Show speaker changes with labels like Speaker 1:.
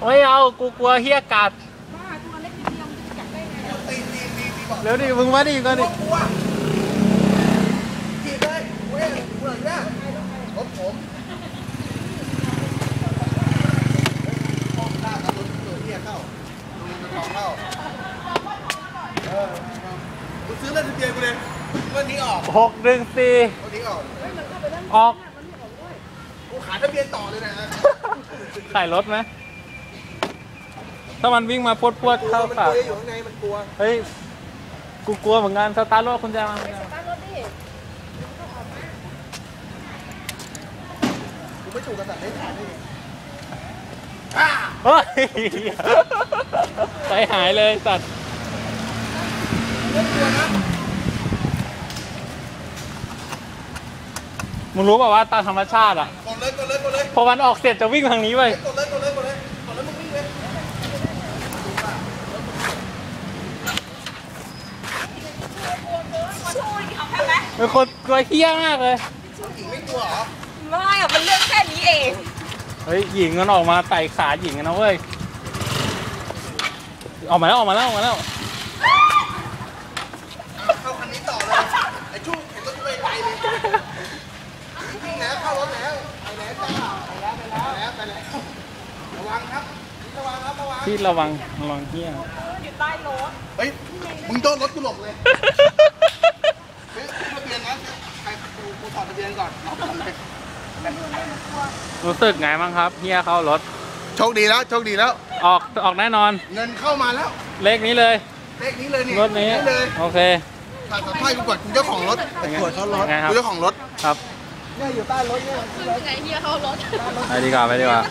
Speaker 1: ไม่เอากูกลัวเฮียกัดเร็วดิมึงมาดิก่อนดิ
Speaker 2: ขี่เลยเว้ยเหมือนเนี่ยรถผมหน้ากับรถเฮียเข้าจะลองเข้ากูซื้อเล่นทะเบียนกูเลยวันนี้ออก
Speaker 1: 614
Speaker 2: วันนี้ออก
Speaker 1: ออก
Speaker 2: กูขายทะเบียนต่อเลยนะ
Speaker 1: ขายรถไหมถ้ามันวิ่งมาพวดเข้าปาก
Speaker 2: อยู่ข้างในมันกลัว
Speaker 1: เฮ้ยกูกลัวเหมือนกันสตาร์ทรถคุณแจมา
Speaker 2: กูไม่ถูกกระสับได้ขายได้
Speaker 1: เฮ้ยใจหายเลยสัตว์มึงรู้ป่าวว่าตามธรรมชาติอ่ะ
Speaker 2: กดเลย
Speaker 1: พอมันออกเสร็จจะวิ่งทางนี้ไป
Speaker 2: กดเลยมึงวิ่งเลย
Speaker 1: เป็นคนกลัวเหี้ยมากเลย
Speaker 2: หญิงไม่กลัวเหรอ
Speaker 3: ไม่อะมันเรื่องแค่นี้เอง
Speaker 1: เฮ้ยหญิงมันออกมาไต่ขาหญิงกันนะเว้ยออกมาแล้ว
Speaker 2: เข้าคันนี้ต่อเลยไอ้ชู้เห็นรถไปเลยวิ่งแล้วเข้ารถแล้วไปแล้วจ้าไปแล้วระวังครับ
Speaker 1: ที่ระวังเหี้ย
Speaker 3: อยู่ใต้รถ
Speaker 2: เฮ้ยมึงโดนรถกูหลบเลยซื้อทะเบียนนะใครกูถอดทะเบียนก่อน
Speaker 1: รู้สึกไงบ้างครับเฮียเข้ารถ
Speaker 2: โชคดีแล้ว
Speaker 1: ออกแน่นอน
Speaker 2: เงินเข้ามาแล้ว
Speaker 1: เลขนี้เลย
Speaker 2: เนี่ย
Speaker 1: รถนี้โอเค
Speaker 2: ถ่ายสัมภาษณ์กูก่อนกูเจ้าของรถตรวจเขารถกูเจ้าของรถ
Speaker 1: ครับ
Speaker 2: เนี่ยอยู่ใต้รถเนี่ย
Speaker 3: คือไงเฮียเขารถ
Speaker 1: ไปดีกว่า